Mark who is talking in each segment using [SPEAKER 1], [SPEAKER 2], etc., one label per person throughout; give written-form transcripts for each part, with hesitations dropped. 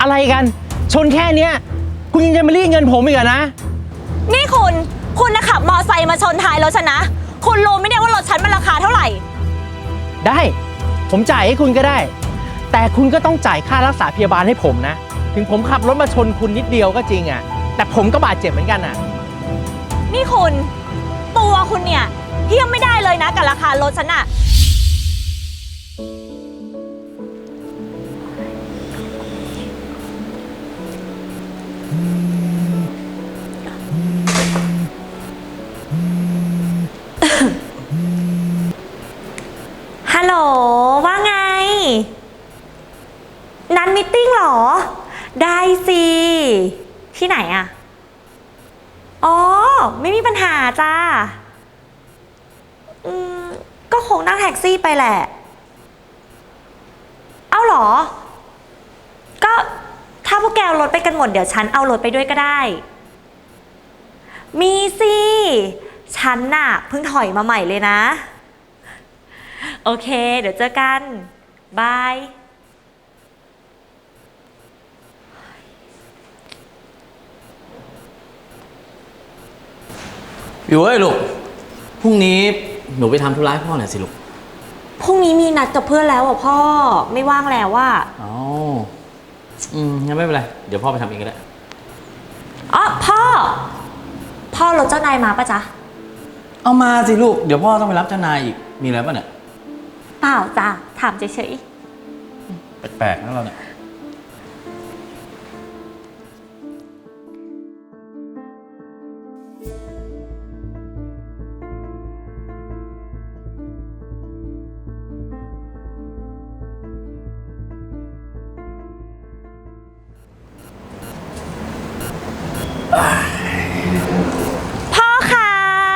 [SPEAKER 1] อะไรกันชนแค่เนี้ยคุณยังจะมารีดเงินผมอีกเหรอนะ
[SPEAKER 2] นี่คุณนะขับมอไซค์มาชนท้ายรถฉันนะคุณรู้ไหมเนี่ยว่ารถฉันมันราคาเท่าไหร่
[SPEAKER 1] ได้ผมจ่ายให้คุณก็ได้แต่คุณก็ต้องจ่ายค่ารักษาพยาบาลให้ผมนะถึงผมขับรถมาชนคุณนิดเดียวก็จริงอ่ะแต่ผมก็บาดเจ็บเหมือนกันอ่ะ
[SPEAKER 2] นี่คุณตัวคุณเนี่ยเทียบไม่ได้เลยนะกับราคารถฉันอะฮัลโหลว่าไงนัดมีตติ้งเหรอได้สิที่ไหนอะอ๋อไม่มีปัญหาจ้าก็คงนั่งแท็กซี่ไปแหละเอาเหรอก็ถ้าพวกแกเอารถไปกันหมดเดี๋ยวฉันเอารถไปด้วยก็ได้มีสิฉันน่ะเพิ่งถอยมาใหม่เลยนะโอเคเดี๋ยวเจอกันบาย
[SPEAKER 3] วิวเอ้ยลูกพรุ่งนี้หนูไปทำธุระให้พ่อหน่อยสิลูก
[SPEAKER 2] พรุ่งนี้มีนัดกับเพื่อนแล้วอ่ะพ่อไม่ว่างแล้วว่า
[SPEAKER 3] อ๋องั้นไม่เป็นไรเดี๋ยวพ่อไปทำเองก็ได้
[SPEAKER 2] อ๋อพ่อรถเจ้านายมาปะจ๊ะ
[SPEAKER 3] เอามาสิลูกเดี๋ยวพ่อต้องไปรับเจ้านายอีกมีอะไรป่ะเนี่ย
[SPEAKER 2] เปล่าจ้ะถามเฉย
[SPEAKER 3] แปลกๆนะเราเนี่ย
[SPEAKER 2] พ่อคะ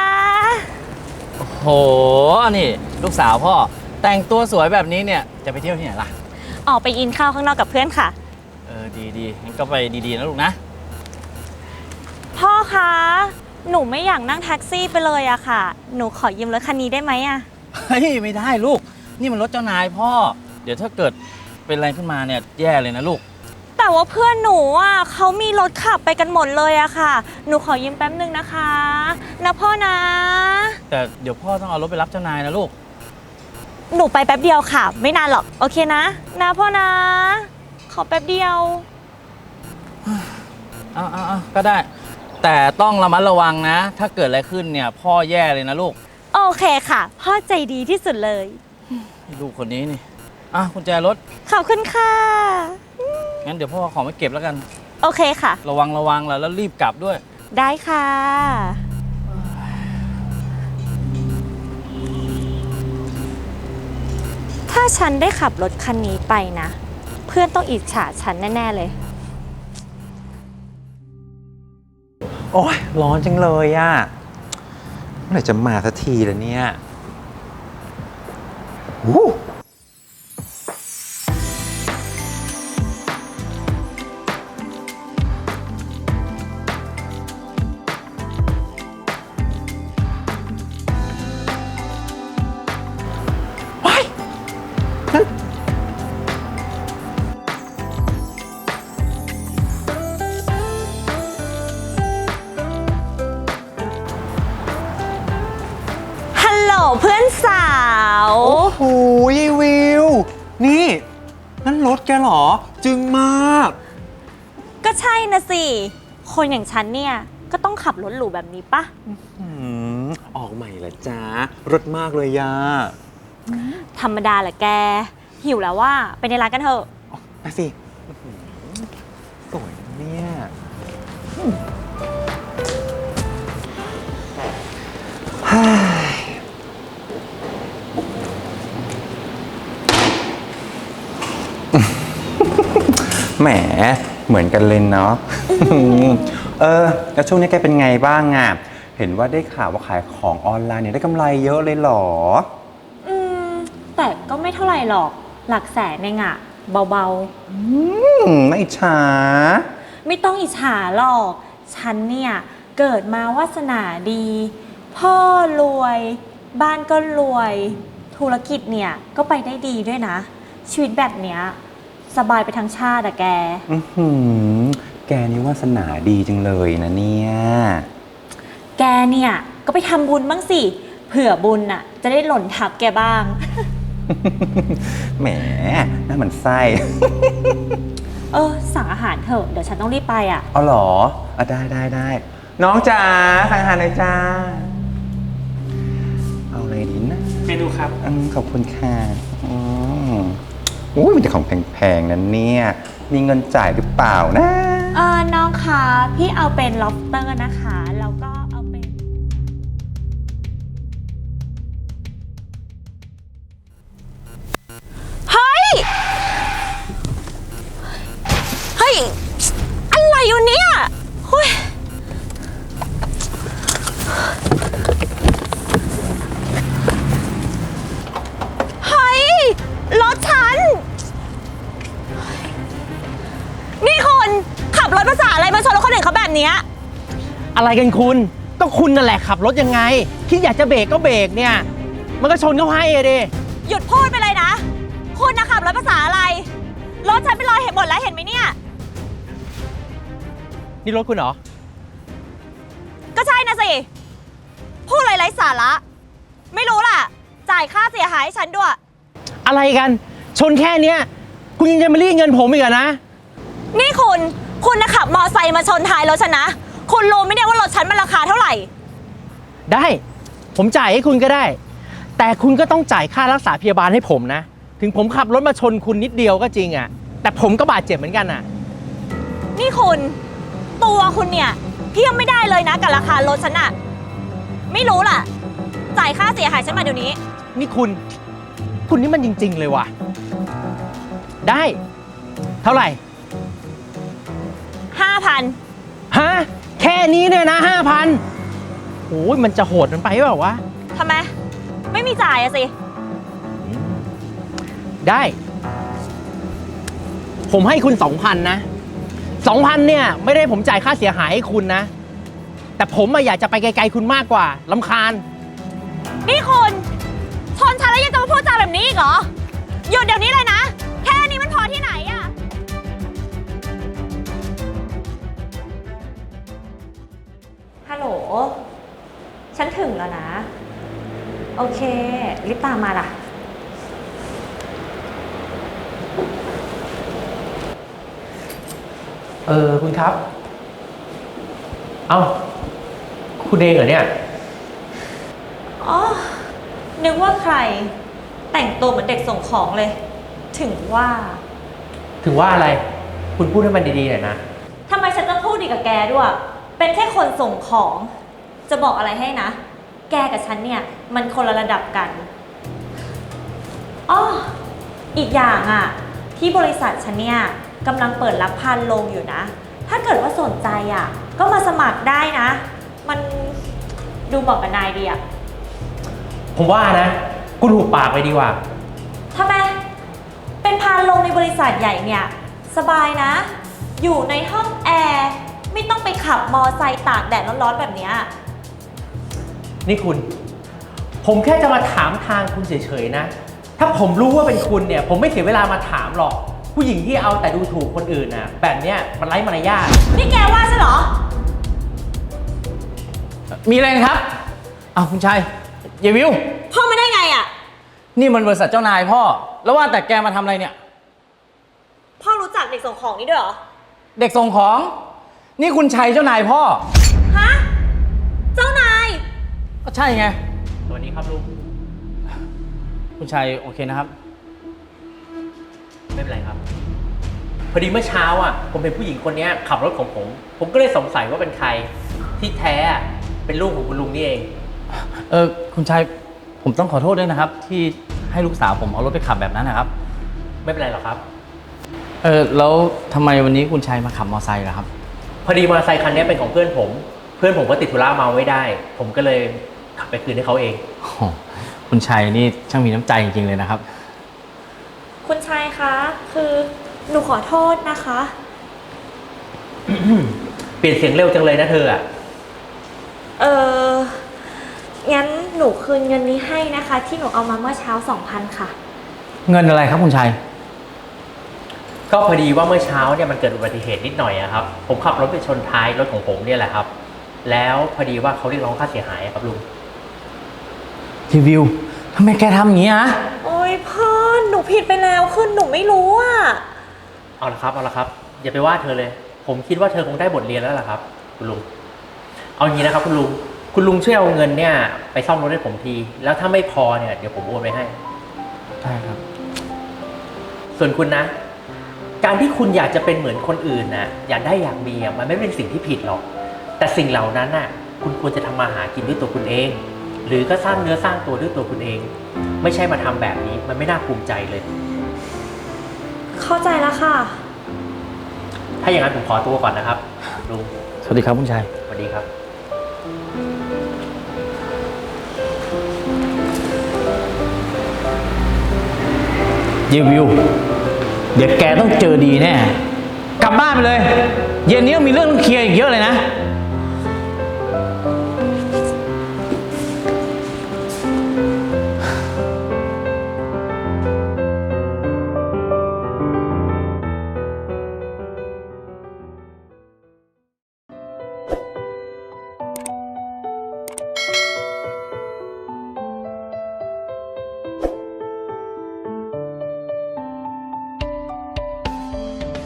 [SPEAKER 3] โหนี่ลูกสาวพ่อแต่งตัวสวยแบบนี้เนี่ยจะไปเที่ยวที่ไหนล่ะ
[SPEAKER 2] ออกไปกินข้าวข้างนอกกับเพื่อนค่ะ
[SPEAKER 3] ดีงั้นก็ไปดีๆนะลูกนะ
[SPEAKER 2] พ่อคะหนูไม่อยากนั่งแท็กซี่ไปเลยอะค่ะหนูขอยืมรถคันนี้ได้ไหมอะ
[SPEAKER 3] เฮ้ยไม่ได้ลูกนี่มันรถเจ้านายพ่อเดี๋ยวถ้าเกิดเป็นอะไรขึ้นมาเนี่ยแย่เลยนะลูก
[SPEAKER 2] แต่ว่าเพื่อนหนูอ่ะเขามีรถขับไปกันหมดเลยอะค่ะหนูขอยืมแป๊บนึงนะคะนะพ่อนะ
[SPEAKER 3] แต่เดี๋ยวพ่อต้องเอารถไปรับเจ้านายนะลูก
[SPEAKER 2] หนูไปแป๊บเดียวค่ะไม่นานหรอกโอเคนะนะพ่อนะขอแป๊บเดียว
[SPEAKER 3] เอาก็ได้แต่ต้องระมัดระวังนะถ้าเกิดอะไรขึ้นเนี่ยพ่อแย่เลยนะลูก
[SPEAKER 2] โอเคค่ะพ่อใจดีที่สุดเลย
[SPEAKER 3] ลูกคนนี้นี่กุญแจรถ
[SPEAKER 2] ขอบคุณค่ะ
[SPEAKER 3] งั้นเดี๋ยวพ่อของมาเก็บแล้วกัน
[SPEAKER 2] โอเคค่ะ
[SPEAKER 3] ระวังแล้วรีบกลับด้วย
[SPEAKER 2] ได้ค่ะถ้าฉันได้ขับรถคันนี้ไปนะเพื่อนต้องอิจฉาฉันแน่ๆเลย
[SPEAKER 1] โอ๊ยร้อนจังเลยอ่ะเมื่อไหร่จะมาสักทีล่ะเนี่ย
[SPEAKER 2] เพื่อนสาว
[SPEAKER 1] โอ้โหยายวิวนี่นั่นรถแกเหรอจึงมาก
[SPEAKER 2] ก็ใช่นะสิคนอย่างฉันเนี่ยก็ต้องขับรถหรูแบบนี้ปะ
[SPEAKER 1] ออกใหม่ละจ้ารถมากเลยยา
[SPEAKER 2] ธรรมดาแหละแกหิวแล้วว่าไปในร้านกันเถอะ
[SPEAKER 1] ไปสิสวยเนี่ยแหมเหมือนกันเลยเนาะแล้วช่วงนี้แกเป็นไงบ้างอ่ะเห็นว่าได้ข่าวว่าขายของออนไลน์เนี่ยได้กำไรเยอะเลยเหรอ
[SPEAKER 2] แต่ก็ไม่เท่าไหร่หรอกหลักแสนเองอะเบา
[SPEAKER 1] ไม่อิจฉา
[SPEAKER 2] ไม่ต้องอิจฉาหรอกฉันเนี่ยเกิดมาวาสนาดีพ่อรวยบ้านก็รวยธุรกิจเนี่ยก็ไปได้ดีด้วยนะชีวิตแบบเนี้ยสบายไปทั้งชาติอะแก
[SPEAKER 4] อื้อหือแกนี่วาสนาดีจังเลยนะเนี่ย
[SPEAKER 2] แกเนี่ยก็ไปทำบุญบ้างสิ เผื่อบุญน่ะจะได้หล่นทับแกบ้าง
[SPEAKER 4] แหมน่ามันไส้
[SPEAKER 2] สั่งอาหารเถอะ เดี๋ยวฉันต้องรีบไปอ่ะ
[SPEAKER 4] เอาเหรอได้น้องจ๋าสั่งอาหารหน่อยจ้าเอาอะไรดีนะ
[SPEAKER 1] เมนูครับ
[SPEAKER 4] ขอบคุณค่ะอุ้ยมันจะของแพงๆนั้นเนี่ยมีเงินจ่ายหรือเปล่านะ
[SPEAKER 2] น้องคะพี่เอาเป็น lobster นะคะ แล้วก็เอาเป็น เฮ้ย อะไรอยู่เนี่ยเฮ้ยรถฉัน นี่คุณขับรถภาษาอะไรมาชนรถคนอื่นเขาแบบเนี้ย
[SPEAKER 1] อะไรกันคุณ ก็คุณนั่นแหละขับรถยังไงคิดอยากจะเบรกก็เบรกเนี่ย มันก็ชนเขาให้อะดิ
[SPEAKER 2] หยุดพูดไปเลยนะ คุณนะขับรถภาษาอะไร รถฉันเป็นรอยเห็นหมดแล้วเห็นไหมเนี่ย
[SPEAKER 1] นี่รถคุณเหรอ
[SPEAKER 2] ก็ใช่นะสิ พูดอะไรไร้สาระ ไม่รู้ล่ะ จ่ายค่าเสียหายให้ฉันด้วย
[SPEAKER 1] อะไรกัน ชนแค่เนี้ยคุณยังจะมาเรียกเงินผมอีกเหรอนะ
[SPEAKER 2] นี่คุณนะขับมอไซค์มาชนท้ายรถฉันนะ คุณรู้ไหมเนี่ยว่ารถฉันมันราคาเท่าไหร่
[SPEAKER 1] ได้ ผมจ่ายให้คุณก็ได้ แต่คุณก็ต้องจ่ายค่ารักษาพยาบาลให้ผมนะ ถึงผมขับรถมาชนคุณนิดเดียวก็จริงอะแต่ผมก็บาดเจ็บเหมือนกันอะ
[SPEAKER 2] นี่คุณตัวคุณเนี่ยเทียบไม่ได้เลยนะกับราคารถฉันอะไม่รู้ล่ะ จ่ายค่าเสียหายฉันมาเดี๋ยวนี้
[SPEAKER 1] นี่คุณนี่มันจริงๆเลยว่ะ ได้ เท่าไหร่
[SPEAKER 2] 5,000
[SPEAKER 1] ฮะ แค่นี้เนี่ยนะ5,000โอ้ยมันจะโหดมันไปเปล่าวะ
[SPEAKER 2] ทำไม ไม่มีจ่ายอะสิ
[SPEAKER 1] ได้ ผมให้คุณ 2,000 นะ 2,000 เนี่ย ไม่ได้ผมจ่ายค่าเสียหายให้คุณนะ แต่ผมอยากจะไปไกลๆคุณมากกว่าลำคาญ
[SPEAKER 2] นี่คุณชนฉันแล้วยังจะมาพูดจาแบบนี้อีกเหรอ หยุดเดี๋ยวนี้เลยนะ แค่นี้มันพอที่ไหนอะฮัลโหล ฉันถึงแล้วนะ โอเค รีบตามมาล่ะ
[SPEAKER 1] คุณครับ เอ้า คุณเองเหรอเนี่ย
[SPEAKER 2] อ๋อ นึกว่าใคร แต่งตัวเหมือนเด็กส่งของเลย ถึงว่า
[SPEAKER 1] ถึงว่าอะไร คุณพูดให้มันดีๆหน่อยนะ
[SPEAKER 2] ทำไมฉันต้องพูดดีกับแกด้วย เป็นแค่คนส่งของ จะบอกอะไรให้นะ แกกับฉันเนี่ย มันคนละระดับกันอ้ออีกอย่างอ่ะ ที่บริษัทฉันเนี่ยกำลังเปิดรับพานโรงอยู่นะ ถ้าเกิดว่าสนใจอ่ะ ก็มาสมัครได้นะ มันดูเหมาะกับนายดีอ่ะ
[SPEAKER 1] ผมว่านะ คุณหุบปากไปดีกว่า
[SPEAKER 2] ทำไม เป็นพานโรงในบริษัทใหญ่เนี่ย สบายนะ อยู่ในห้องแอร์ ไม่ต้องไปขับมอไซค์ตากแดดร้อนๆแบบเนี้ย
[SPEAKER 1] นี่คุณ ผมแค่จะมาถามทางคุณเฉยๆนะ ถ้าผมรู้ว่าเป็นคุณเนี่ย ผมไม่เสียเวลามาถามหรอก ผู้หญิงที่เอาแต่ดูถูกคนอื่นน่ะ แบบเนี้ยมันไร้มารยาท
[SPEAKER 2] นี่แกว่าใช่เหรอ
[SPEAKER 3] มีอะไรนะครับอ้าวคุณชัยเยวิว
[SPEAKER 2] พ่อมาได้ไงอ่ะ
[SPEAKER 3] นี่มันบริษัทเจ้านายพ่อ แล้วว่าแต่แกมาทำอะไรเนี่ย
[SPEAKER 2] พ่อรู้จักเด็กส่งของนี่ด้วยเหรอ
[SPEAKER 3] เด็กส่งของ นี่คุณชัยเจ้านายพ่อ
[SPEAKER 2] ฮะ เจ้านาย
[SPEAKER 3] ก็ใช่ไง
[SPEAKER 1] สวัสดีครับลุง
[SPEAKER 3] คุณชัยโอเคนะครับ
[SPEAKER 1] ไม่เป็นไรครับ พอดีเมื่อเช้าอ่ะ ผมเป็นผู้หญิงคนนี้ขับรถของผม ผมก็เลยสงสัยว่าเป็นใคร ที่แท้อะเป็นลูกของคุณลุงนี่เอง
[SPEAKER 3] คุณชัยผมต้องขอโทษด้วยนะครับ ที่ให้ลูกสาวผมเอารถไปขับแบบนั้นนะครับ
[SPEAKER 1] ไม่เป็นไรหรอกครับ
[SPEAKER 3] แล้วทำไมวันนี้คุณชัยมาขับมอไซค์ล่ะครับ
[SPEAKER 1] พอดีมอเตอร์ไซค์คันนี้เป็นของเพื่อนผม เพื่อนผมก็ติดธุระเมาไม่ได้ ผมก็เลยขับไปคืนให้เขาเอง
[SPEAKER 3] โอ้โหคุณชัยนี่ช่างมีน้ำใจจริงๆเลยนะครับ
[SPEAKER 2] คุณชายคะ คือหนูขอโทษนะคะ
[SPEAKER 1] เปลี่ยนเสียงเร็วจังเลยนะเธออ่ะ
[SPEAKER 2] งั้นหนูคืนเงินนี้ให้นะคะ ที่หนูเอามาเมื่อเช้า 2,000 ค่ะ
[SPEAKER 3] เงินอะไรครับคุณชัย
[SPEAKER 1] ก็พอดีว่าเมื่อเช้าเนี่ยมันเกิดอุบัติเหตุนิดหน่อยอะครับ ผมขับรถไปชนท้ายรถของผมเนี่ยแหละครับ แล้วพอดีว่าเขาเรียกร้องค่าเสียหายครับลุง
[SPEAKER 3] รีวิวทำไมแกทำอย่างนี้อะ
[SPEAKER 2] โอ๊ยพ่อหนูผิดไปแล้วคือหนูไม่รู้อ่ะ
[SPEAKER 1] เอาละครับอย่าไปว่าเธอเลย ผมคิดว่าเธอคงได้บทเรียนแล้วล่ะครับ คุณลุงเอาอย่างนี้นะครับคุณลุงช่วยเอาเงินเนี่ยไปซ่อมรถให้ผมที แล้วถ้าไม่พอเนี่ยเดี๋ยวผมโอนไปให้
[SPEAKER 3] ได้ครับ
[SPEAKER 1] ส่วนคุณนะ การที่คุณอยากจะเป็นเหมือนคนอื่นนะอยากได้อยากมีอ่ะมันไม่เป็นสิ่งที่ผิดหรอก แต่สิ่งเหล่านั้นน่ะ คุณควรจะทำมาหากินด้วยตัวคุณเอง หรือก็สร้างเนื้อสร้างตัวด้วยตัวคุณเอง ไม่ใช่มาทำแบบนี้มันไม่น่าภูมิใจเลย
[SPEAKER 2] เข้าใจแล้วค่ะ
[SPEAKER 1] ถ้าอย่างนั้นผมขอตัวก่อนนะครับลุง
[SPEAKER 3] สวัสดีครับคุณชาย
[SPEAKER 1] สวัสดีครับ
[SPEAKER 3] รีวิว เดี๋ยวแกต้องเจอดีแน่ กลับบ้านไปเลย เย็นนี้ต้องมีเรื่องต้องเคลียร์อีกเยอะเลยนะ